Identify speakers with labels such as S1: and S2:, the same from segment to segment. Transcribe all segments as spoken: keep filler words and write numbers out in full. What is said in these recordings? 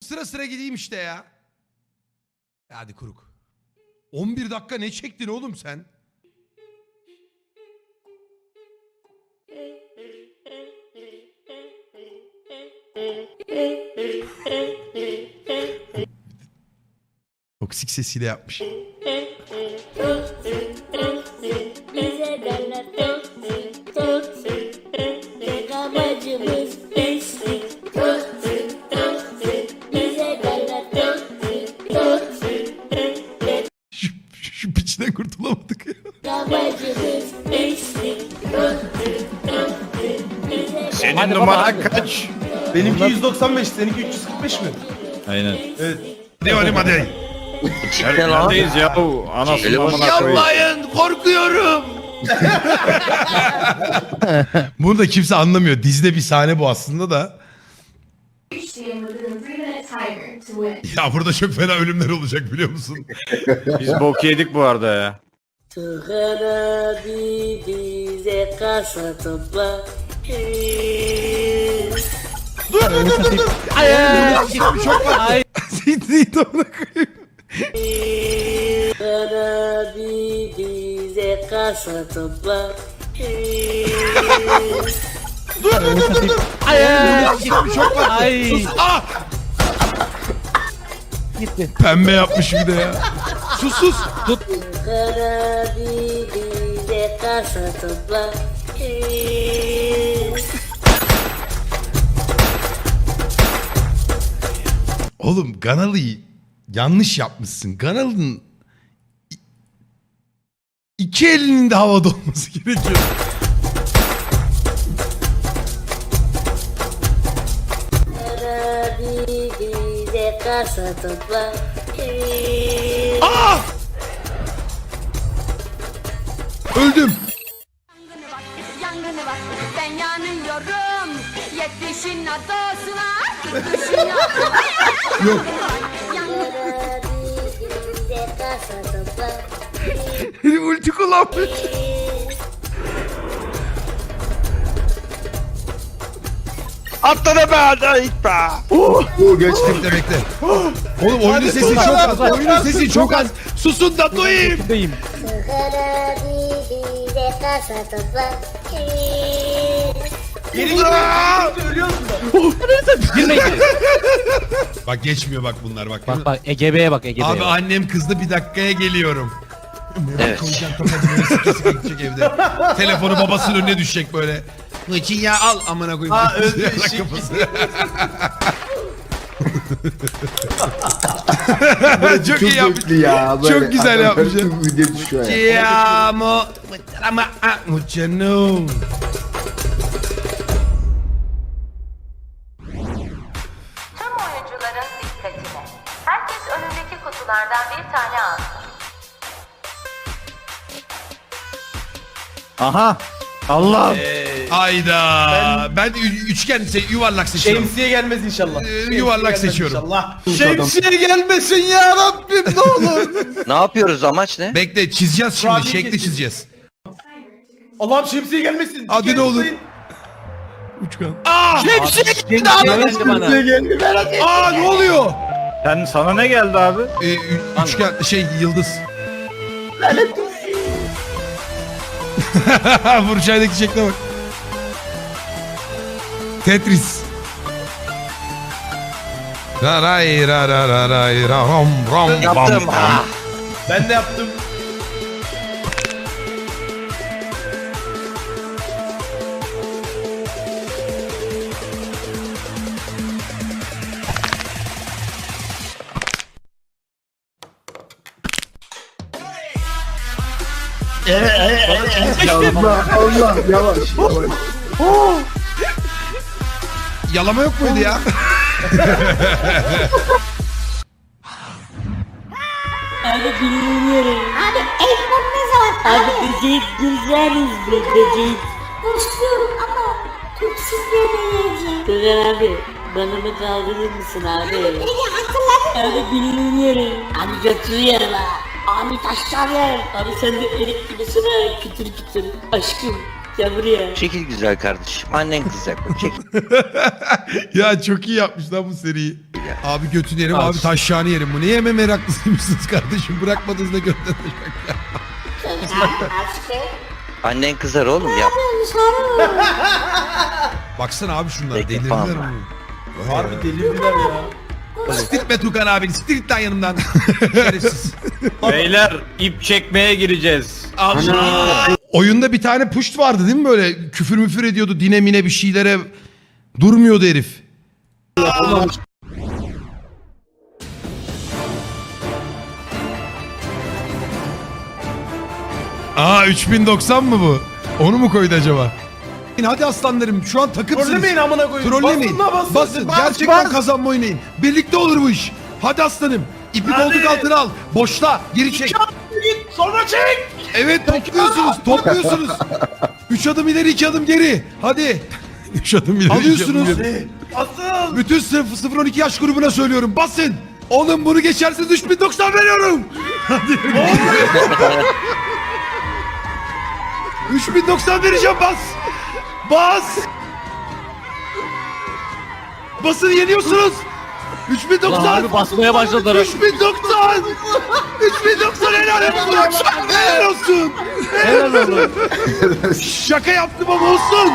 S1: sıra sıra gideyim işte ya. Hadi kuruk. on bir dakika ne çektin oğlum sen? Toksik sesiyle yapmış.
S2: Bize derler toksik, toksik. Tek amacımız pislik, toksik, toksik. Bize derler toksik, toksik.
S1: Şu, şu piçten kurtulamadık ya.
S2: Tek amacımız pislik, toksik, toksik. Bize
S3: Senin
S4: Hadi baba,
S3: numaran
S4: hadi.
S3: kaç?
S5: Benimki yüz doksan beş, seninki üç yüz kırk beş mi?
S3: Aynen.
S5: Evet.
S1: Ne oğlum hadi.
S3: Neredeyiz ya bu anasını amına koyayım.
S1: Yapmayın korkuyorum. Bunu da kimse anlamıyor. Dizide bir sahne bu aslında da. Ya burada çok fena ölümler olacak biliyor musun?
S3: Biz bok yedik bu arada ya.
S2: Tuhan abi bize kasa topla.
S1: Dur dur dur dur. dur. Ay ay ay. Çok var. Zeyt ona koyayım.
S2: Tuhan abi bize kasa topla.
S1: Dur dur dur dur. dur. Ay ay ay. Çok var.
S4: Ay.
S1: Sus. Ah.
S4: Gitti.
S1: Pembe yapmış bir de ya. Sus sus. Tut.
S2: Tuhan abi bize kasa topla.
S1: Oğlum Ganalı'yı yanlış yapmışsın. Ganalı'nın i- iki elinin de havada olması gerekiyor.
S2: Tuhan abi bize kasa topla.
S1: Ah! Öldüm.
S6: Yangını bak, yangını bak, ben yanıyorum. Yetmişin adasına, gitmişin adasına.
S1: Yok.
S6: Yangını
S2: Tuhan abi bize kasa topla.
S1: Herif ulti kullanmış.
S3: Atladı be hadi git be.
S1: Bekle bekle. Oğlum oyunun sesi çok az. Oyunun sesi çok az. Susun da duyayım.
S4: Deyim.
S2: Tuhan abi bize kasa topla.
S5: Geri gitme. Ölüyor musun?
S4: Girmeyin.
S1: Bak geçmiyor bak bunlar bak.
S4: Bak bak E G B'ye bak E G B'ye
S1: Abi
S4: bak.
S1: annem kızdı bir dakikaya geliyorum. Evet. Koyacağım kafasını sike sike gidecek evde. Telefonu babasının önüne düşecek böyle. Niçin ya al amına koyayım.
S5: Ha, öldü,
S1: Yarak
S5: eşek
S1: kafası. Çok iyi yapmış.
S7: Ya, böyle
S1: Çok güzel yapmış.
S7: Çok video düşüyor ya.
S1: Ti amo. Ama mucho no.
S8: Tüm oyuncuların dikkatine. Herkes önündeki kutulardan bir tane alsın.
S3: Aha. Allah.
S1: Ayda. Ben, ü- üçgen şey, yuvarlak seçiyorum.
S5: Şemsiye gelmez inşallah.
S1: Ee,
S5: Şemsiye
S1: yuvarlak
S5: gelmez
S1: seçiyorum.
S5: İnşallah.
S1: Şemsiye gelmesin ya Rabbim ne olur.
S9: Ne yapıyoruz, amaç ne?
S1: Bekle çizeceğiz şimdi.
S5: Kurabiye
S1: Şekli
S5: keseceğiz.
S1: çizeceğiz.
S5: Allah'ım şemsiye gelmesin.
S1: Hadi
S5: Gel
S1: ne olur.
S5: tutayım.
S1: Uçkan. Aa! Şemsiye geldi
S4: Geldi bana.
S1: Aa ne oluyor?
S3: Sen sana ne geldi abi?
S1: Ee, ü- üçgen şey yıldız. Burçay'daki şekle bak. Tetris. Ra ray ra ra ra ray ra ram ram bam
S9: Yaptım.
S1: bam.
S9: Ah.
S5: Ben de yaptım.
S7: Allah Allah yavaş. yavaş.
S1: Yalama yok muydu ya?
S2: Abi bilmiyorum. Abi elbam ne zaman? Abi böcek güzeliz be böcek. Başlıyorum ama toksik yemeyeceğim. Tugan abi bana mı kaldırır mısın abi? Beni hatırladın mı? Abi bilmiyorum. Abi götür yer la. Abi taşlar yer. Abi sen de erik gibisin ha. Kütür kütür. Aşkım gel buraya.
S9: Çekil güzel kardeşim. Annen kızacak bak, çekil.
S1: Ya çok iyi yapmış lan bu seriyi.
S9: ya.
S1: Abi götünü yerim, abi taşşağını yerim. Bu ne yeme meraklısıymışsınız kardeşim? Bırakmadınız da götten taşak ya.
S9: Annen kızar oğlum ya.
S1: Baksana abi şunlar
S9: Peki,
S1: delirdiler
S9: tamam.
S1: mi?
S5: Harbi delirdiler ya.
S1: Siktir be Tukan abi, siktir git lan yanımdan. Şerefsiz.
S3: Beyler ip çekmeye gireceğiz.
S1: Allah! Oyunda bir tane puşt vardı değil mi böyle? Küfür müfür ediyordu, dine mine bir şeylere durmuyordu herif. Aa üç bin doksan mı bu? Onu mu koydu acaba? Hadi aslanlarım, şu an takımsınız.
S5: Trollemeyin amına koyayım.
S1: Trollemeyin.
S5: Basın la basın.
S1: Basın.
S5: Bas,
S1: Gerçekten
S5: bas.
S1: kazanma oynayın. Birlikte olur bu iş. Hadi aslanım. İpi
S5: Hadi.
S1: koltuk altına al. Boşla. Geri çek.
S5: Git sonra çek.
S1: Evet topluyorsunuz. Topluyorsunuz. Üç adım ileri, iki adım geri. Hadi. Üç adım ileri. Alıyorsunuz.
S5: Asıl.
S1: Bütün sıfır sıfır on iki yaş grubuna söylüyorum. Basın. Oğlum bunu geçerseniz üç bin doksan veriyorum. Hadi. üç bin doksan vereceğim, bas. Bas. Basın, yeniyorsunuz. üç bin
S4: Lan
S1: doksan.
S4: harbi basmaya başladılar.
S1: üç bin doksan. üç bin doksan helal olsun. Helal olsun.
S4: Helal olsun.
S1: Şaka yaptım ama olsun.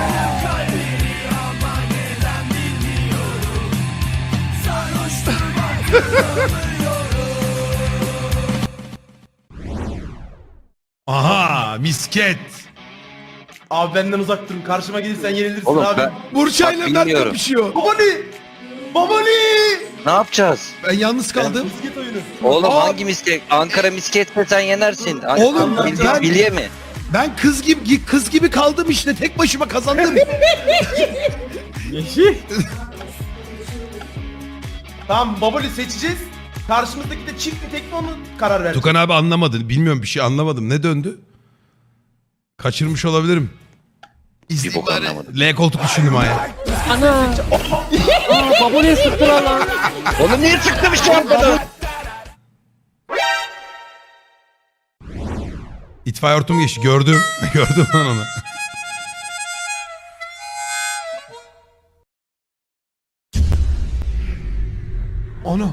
S1: Aha, misket.
S5: Abi benden uzak durun. Karşıma gelirsen yenilirsin
S9: Oğlum
S5: abi.
S9: ben
S1: Burçayla
S9: Bak,
S1: Mert
S9: bilmiyorum.
S1: kapışıyor.
S5: Babali. Babali.
S9: ne yapacağız?
S1: Ben yalnız kaldım.
S5: Misket oyunu.
S9: Oğlum
S1: Aa.
S9: hangi misket? Ankara misketse sen yenersin. An-
S1: Oğlum,
S9: Bil-
S1: ben-
S9: Bilye mi?
S1: Ben kız gibi kız gibi kaldım işte, tek başıma kazandım.
S5: Tamam Babali seçeceğiz. Karşımızdaki de çift mi tek mi onu karar ver.
S1: Tukan abi anlamadı. Bilmiyorum, bir şey anlamadım. Ne döndü? Kaçırmış olabilirim.
S9: Bir bok anlamadım.
S1: L koltuk düşündüm aya.
S4: Ana. Aa baboliye sıktılar lan.
S9: Oğlum niye çıktım şu an bana?
S1: İtfaiye hortumu geçti. Gördüm. Gördüm lan onu. Ana.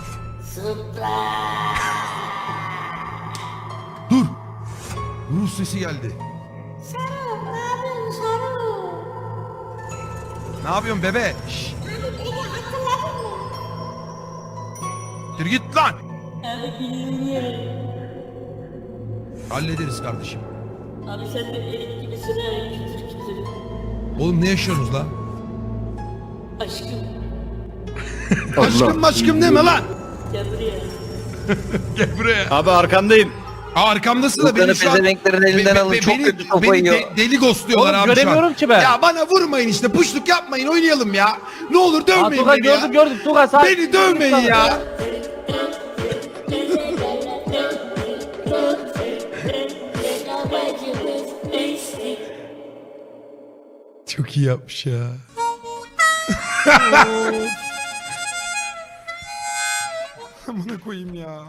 S1: Dur. Rus sesi geldi. Ne yapıyorsun bebe? Şşş. Dur git lan.
S2: Abi bilmiyorum.
S1: Hallederiz kardeşim.
S2: Abi sen de erik gibisin ha. Kütür kütür.
S1: Oğlum ne yaşıyorsunuz lan?
S2: Aşkım.
S1: Aşkım maşkım deme lan.
S2: Gel buraya.
S1: Gel buraya.
S3: Abi arkandayım.
S1: Aa, arkamdasın da
S9: Tukan'ı
S1: beni şu an...
S9: pezevenklerin elinden
S1: Be- be-
S9: alın, çok
S1: beni-
S9: kötü sopa
S1: beni
S9: yiyor.
S1: de- deli ghostluyorlar
S4: Oğlum,
S1: abi şu an.
S4: göremiyorum ki ben.
S1: Ya bana vurmayın işte, puşluk yapmayın, oynayalım ya. Ne olur
S4: Aa
S1: dövmeyin
S4: Tugan
S1: beni ya.
S4: gördüm gördüm Tugan sağ.
S1: Beni dövmeyin ya. Çok iyi yapmış ya. Amına koyayım ya.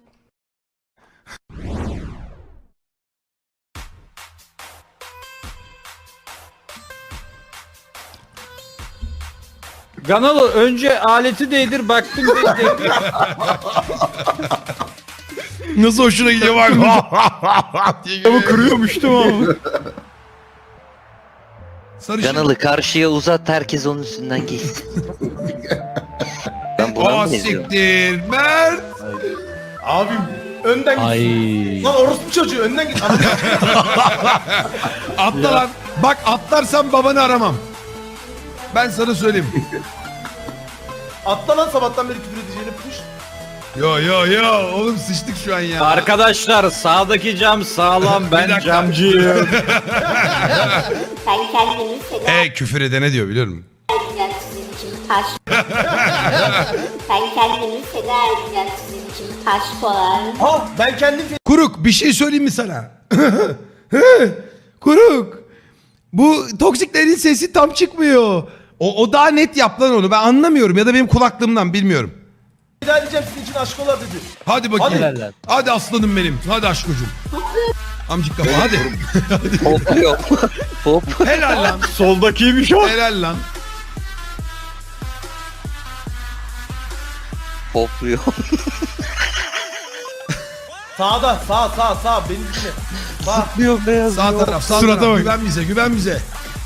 S3: Ganalı önce aleti değdir baktım değdir.
S1: Nasıl hoşuna gidiyor bak. diye gülüyor.
S3: kırıyormuştum ama.
S1: Sarışın.
S9: Canalı karşıya uzat, herkes onun üstünden geçsin. Ben buna
S1: Aa
S9: mı geziyorum?
S1: siktir. Mert.
S5: Abim önden git.
S4: Ay.
S5: Lan orospu çocuğu önden git.
S1: Atla lan. Bak atlarsan babanı aramam. Ben sana söyleyeyim.
S5: Atla lan sabahtan beri küfür edeceğini push.
S1: Yo yo yo. Oğlum sıçtık şu an ya.
S3: Arkadaşlar sağdaki cam sağlam,
S1: Bir
S3: ben
S1: dakika.
S3: camcıyım.
S2: Sen kendini feda
S1: E küfür edene diyor, biliyor musun?
S2: edeceksin sizin için taş. Sen kendini feda edeceksin sizin için taş kolar.
S5: Ha ben kendim
S1: Kuruk bir şey söyleyeyim mi sana? Kuruk. Bu toksiklerin sesi tam çıkmıyor. O, o daha net yap lan onu. Ben anlamıyorum ya da benim kulaklığımdan bilmiyorum.
S5: feda edeceğim sizin için aşk olar dedi.
S1: Hadi bakayım.
S5: Hadi.
S1: Hadi, hadi aslanım benim. Hadi aşkocuğum. Amcık kafa hadi.
S9: Hop yok. Hop.
S1: Helal lan.
S3: Soldakiymiş o.
S1: Helal lan.
S9: Hopluyor.
S5: Sağda sağ sağ sağ beni dinle. Sağ.
S9: Zıplıyor beyaz.
S1: Sağ taraf sağ
S3: Surata
S1: taraf.
S3: bak.
S1: Güven bize güven bize.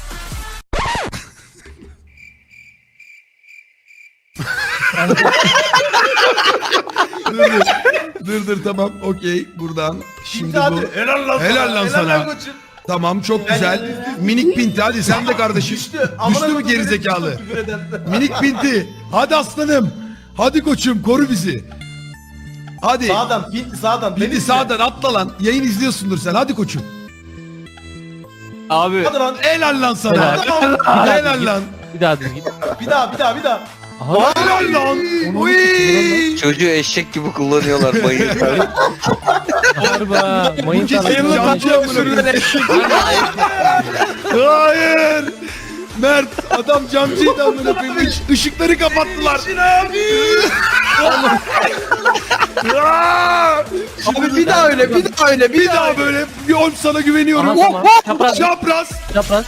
S1: dur, dur. dur dur tamam okey buradan. Şimdi
S5: Şimdi
S1: bu.
S5: hadi. Helal lan
S1: Helal lan sana.
S5: koçum.
S1: Tamam çok güzel. Minik Pinti hadi sen de kardeşim.
S5: Düştü.
S1: Düştü mü gerizekalı? Minik Pinti. Hadi aslanım. Hadi koçum koru bizi. Hadi.
S5: Sağdan Pinti sağdan. beni
S1: Pinti
S5: izle.
S1: sağdan atla lan. Yayın izliyorsundur sen. Hadi koçum.
S3: Abi.
S5: Hadi lan.
S1: Helal lan sana.
S5: Helal.
S1: Helal lan.
S4: Bir daha düzgün.
S5: Bir daha bir daha bir daha.
S4: Aha.
S1: Helal lan. Uy.
S9: Çocuğu eşek gibi kullanıyorlar mayın.
S4: Harba. Mayın
S1: kesin
S4: tarafı.
S1: camcı amına Hayır. Mert adam camcıydı amına koyayım. Iş- Işıkları kapattılar.
S7: Abi bir daha öyle bir daha öyle
S1: Bir daha böyle bir ol sana güveniyorum.
S4: Aha,
S1: Hop
S4: tamam.
S1: hop.
S4: Çapraz.
S1: Çapraz.
S4: Çapraz.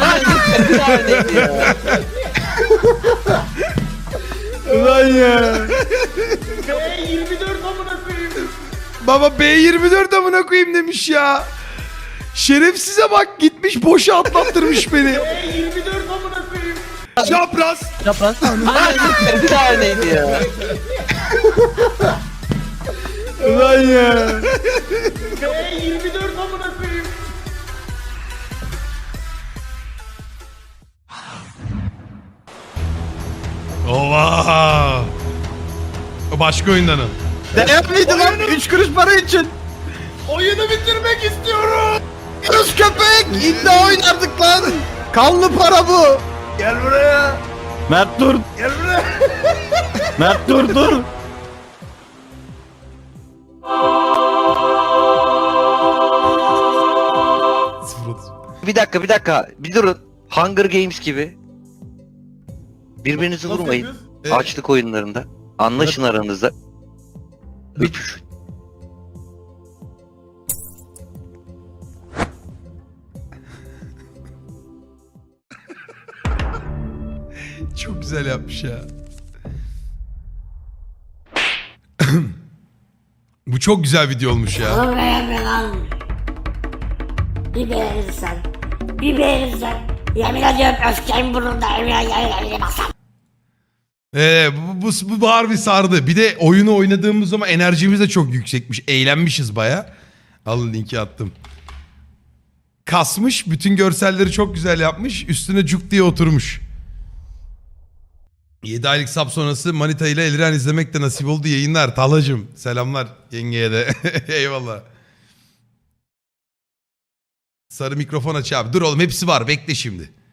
S1: Ulan ya.
S5: B yirmi dört amına koyayım.
S1: Baba B yirmi dört amına koyayım demiş ya. Şerefsize bak gitmiş boşa atlattırmış beni.
S5: B yirmi dört amına koyayım.
S1: Çapraz.
S4: Çapraz.
S9: Bir taneydi ya.
S1: Ulan ya.
S5: B yirmi dört amına koyayım.
S1: Ova. O başka oyundan o.
S7: Değerliydi lan üç kuruş para için.
S5: Oyunu bitirmek istiyorum.
S7: Kız köpek iddia oynardık lan. Kanlı para bu.
S5: Gel buraya.
S3: Mert dur.
S5: Gel buraya.
S3: Mert dur dur.
S9: Bir dakika bir dakika. Bir durun. Hunger Games gibi. Birbirinizi
S5: Nasıl
S9: vurmayın.
S5: yapıyoruz?
S1: Evet.
S9: Açlık oyunlarında. Anlaşın aranızda. Öpüşün.
S1: Çok güzel yapmış ya. Bu çok güzel video olmuş ya.
S2: Oğlum beğenme lan. Bir beğenirsen. Bir beğenirsen. Yemin ediyorum öfkemin burnunda evine yemin basam.
S1: Ee, bu, bu, bu, bu harbi sardı. Bir de oyunu oynadığımız zaman enerjimiz de çok yüksekmiş. Eğlenmişiz baya. Alın linki attım. Kasmış. Bütün görselleri çok güzel yapmış. Üstüne cuk diye oturmuş. yedi aylık sap sonrası Manita ile Eliren izlemek de nasip oldu. Yayınlar. Talacım. Selamlar yengeye de. Eyvallah. Sarı mikrofon aç abi. Dur oğlum hepsi var. Bekle şimdi.